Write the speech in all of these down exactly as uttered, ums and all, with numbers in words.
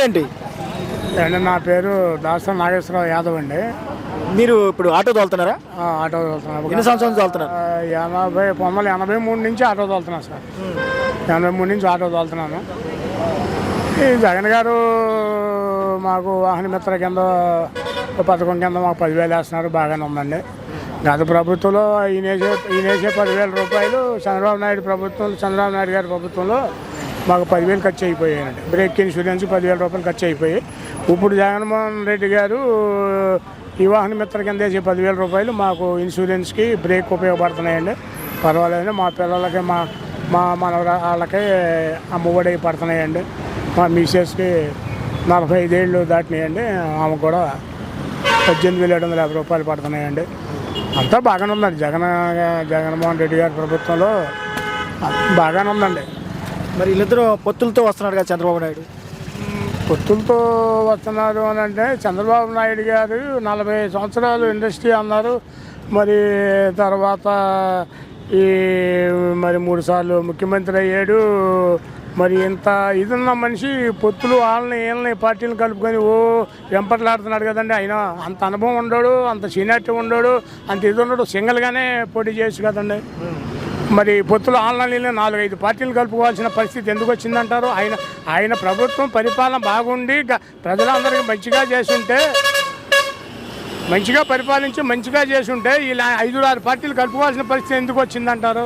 పేరేంటి? అండి నా పేరు దాస నాగేశ్వరరావు యాదవ్ అండి. మీరు ఇప్పుడు ఆటో తోలుతున్నారా? ఆ, ఆటో తోలుతున్నాను. ఎన్ని సంవత్సరాలు తోలుతున్నారు? ఆ, ఎనభై పంతొమ్మిది వందల ఎనభై మూడు నుంచి ఆటో తోలుతున్నాను సార్. ఎనభై మూడు నుంచి ఆటో తోలుతున్నాను. ఈ జగన్ గారు మాకు వాహన మిత్ర కింద ఓ పథకం కింద మాకు పదివేలు వేస్తున్నారు, బాగానే ఉందండి. గత ప్రభుత్వంలో ఈయన వేసే ఈయన వేసే పదివేల రూపాయలు చంద్రబాబు నాయుడు ప్రభుత్వం చంద్రబాబు నాయుడు గారి ప్రభుత్వంలో మాకు పదివేలు ఖర్చు అయిపోయాయండి. బ్రేక్ ఇన్సూరెన్స్ పదివేల రూపాయలు ఖర్చు అయిపోయి, ఇప్పుడు జగన్మోహన్ రెడ్డి గారు ఈ వాహన మిత్ర కింద వేసే పదివేల రూపాయలు మాకు ఇన్సూరెన్స్కి బ్రేక్ ఉపయోగపడుతున్నాయండి. పర్వాలేదు. మా పిల్లలకి మా మా మన వాళ్ళకి అమ్మఒడి పడుతున్నాయండి. మా మిసెస్కి నలభై ఐదేళ్ళు దాటినాయండి, ఆమె కూడా పద్దెనిమిది వేల ఏడు వందల యాభై రూపాయలు పడుతున్నాయండి. అంతా బాగానే ఉందండి. జగన్ జగన్మోహన్ రెడ్డి గారి ప్రభుత్వంలో బాగానే ఉందండి. మరి వీళ్ళిద్దరూ పొత్తులతో వస్తున్నారు కదా చంద్రబాబు నాయుడు? పొత్తులతో వస్తున్నారు అని అంటే చంద్రబాబు నాయుడు గారు నలభై సంవత్సరాలు ఇండస్ట్రీ అన్నారు. మరి తర్వాత ఈ మరి మూడు సార్లు ముఖ్యమంత్రి అయ్యాడు. మరి ఇంత ఇదున్న మనిషి పొత్తులు వాళ్ళని వీళ్ళని పార్టీలు కలుపుకొని ఓ వెంపట్లాడుతున్నాడు కదండి. ఆయన అంత అనుభవం ఉండడు, అంత సీనియారిటీ ఉండడు, అంత ఇది ఉండడు. సింగిల్గానే పోటీ చేయొచ్చు కదండి. మరి పొత్తులు ఆన్లైన్లో నాలుగైదు పార్టీలు కలుపుకోవాల్సిన పరిస్థితి ఎందుకు వచ్చిందంటారు? ఆయన ఆయన ప్రభుత్వం పరిపాలన బాగుండి ప్రజలందరికీ మంచిగా చేసుంటే మంచిగా పరిపాలించి మంచిగా చేసుంటే ఇలా ఐదు ఆరు పార్టీలు కలుపుకోవాల్సిన పరిస్థితి ఎందుకు వచ్చిందంటారు?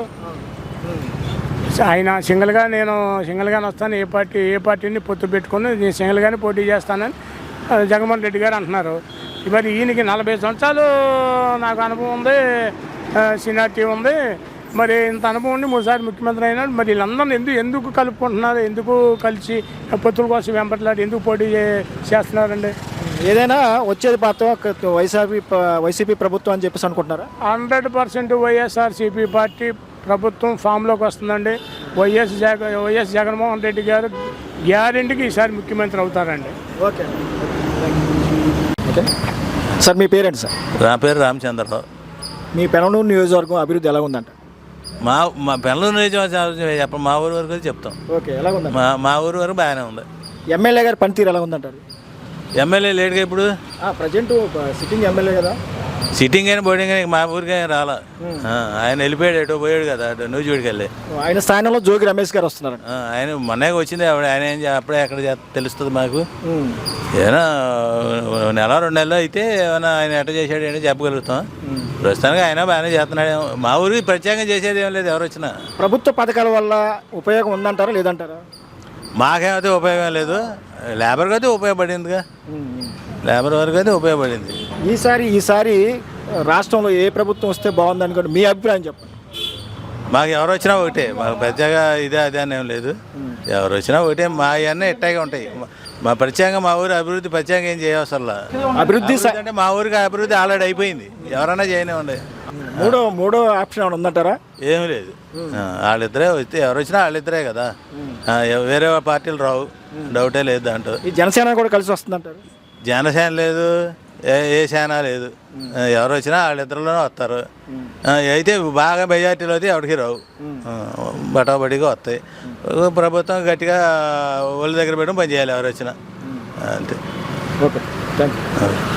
ఆయన సింగిల్గా నేను సింగిల్గానే వస్తాను, ఏ పార్టీ ఏ పార్టీని పొత్తు పెట్టుకుని నేను సింగిల్గానే పోటీ చేస్తానని జగన్మోహన్ రెడ్డి గారు అంటున్నారు. మరి ఈయనకి నలభై సంవత్సరాలు నాకు అనుభవం ఉంది, సీనియారిటీ ఉంది. మరి ఇంత అనుభవం ఉండి మూడుసారి ముఖ్యమంత్రి అయినాడు. మరి వీళ్ళందరినీ ఎందుకు ఎందుకు కలుపుకుంటున్నారు? ఎందుకు కలిసి పొత్తుల కోసం వెంపట్లాడి ఎందుకు పోటీ చేస్తున్నారండి? ఏదైనా వచ్చేది పాత్ర వైసీపీ వైసీపీ ప్రభుత్వం అని చెప్పేసి అనుకుంటున్నారా? హండ్రెడ్ పర్సెంట్ వైఎస్ఆర్సీపీ పార్టీ ప్రభుత్వం ఫామ్లోకి వస్తుందండి. వైఎస్ జగ వైఎస్ జగన్మోహన్ రెడ్డి గారు గ్యారెంటీకి ఈసారి ముఖ్యమంత్రి అవుతారండి. ఓకే ఓకే సార్, మీ పేరెంట్ సార్? నా పేరు రామచంద్రరావు. మీ పెనమలూరు నియోజకవర్గం అభివృద్ధి ఎలా ఉందంట? మా మా పెనమలూరు నియోజకవర్గం చెప్పండి, మా ఊరు వరకు చెప్తాం. ఓకే, ఎలా ఉందంట? మా మా ఊరు వరకు బాగానే ఉంది. ఎమ్మెల్యే గారి పనితీరు ఎలా ఉందంటారు? ఎమ్మెల్యే లేట్గా ఇప్పుడు ప్రజెంట్ సిట్టింగ్ ఎమ్మెల్యే కదా, సిట్టింగ్ అయినా బోర్డింగ్ అయినా మా ఊరికి అయినా రాలా. ఆయన వెళ్ళిపోయాడు, ఎటో పోయాడు కదా, నూజివీడికి వెళ్ళి. ఆయన స్థానంలో జోగి రమేష్ గారు వస్తున్నారు. ఆయన మొన్నే వచ్చింది ఆవిడ. ఆయన ఏం అప్పుడే ఎక్కడ తెలుస్తుంది మాకు. ఏమైనా నెల రెండు నెలలు అయితే ఏమైనా ఆయన ఎట్ట చేశాడు ఏంటో చెప్పగలుగుతాం. ప్రస్తుతానికి ఆయన బాగానే చేస్తున్నాడు. మా ఊరికి ప్రత్యేకంగా చేసేది ఏం లేదు. ఎవరు వచ్చినా ప్రభుత్వ పథకాల వల్ల ఉపయోగం ఉందంటారా లేదంటారా? మాకేమైతే ఉపయోగం లేదు, లేబర్కి అయితే ఉపయోగపడిందిగా. లేబర్ వరకు అయితే ఉపయోగపడింది. ఈసారి ఈసారి రాష్ట్రంలో ఏ ప్రభుత్వం వస్తే బాగుంది అనుకోండి, మీ అభిప్రాయం చెప్పండి. మాకు ఎవరు వచ్చినా ఒకటే, మాకు పెద్దగా ఇదే అదే అని ఏం లేదు. ఎవరు వచ్చినా ఒకటే. మా ఇవన్నీ ఇట్టాగే ఉంటాయి. మా ప్రత్యేకంగా మా ఊరు అభివృద్ధి ప్రత్యేకంగా ఏం చేయవసరం. అభివృద్ధి అంటే మా ఊరికి అభివృద్ధి ఆల్రెడీ అయిపోయింది. ఎవరైనా చేయనివ్వండి. మూడో మూడో ఆప్షన్ ఏమైనా ఉందంటారా? ఏమి లేదు. వాళ్ళిద్దరే వస్తే ఎవరు వచ్చినా వాళ్ళిద్దరే కదా, వేరే పార్టీలు రావు, డౌటే లేదు దాంట్లో. ఈ జనసేన కూడా కలిసి వస్తుందంటారు? జనసేన లేదు, ఏ ఏ సేన లేదు. ఎవరు వచ్చినా వాళ్ళిద్దరిలోనే వస్తారు. అయితే బాగా మెజార్టీలో అయితే ఎవరికి రావు, బటాబడిగా వస్తాయి. ప్రభుత్వం గట్టిగా ఒళ్ళ దగ్గర పెట్టడం పని చేయాలి ఎవరు వచ్చినా, అంతే. Okay, thank you.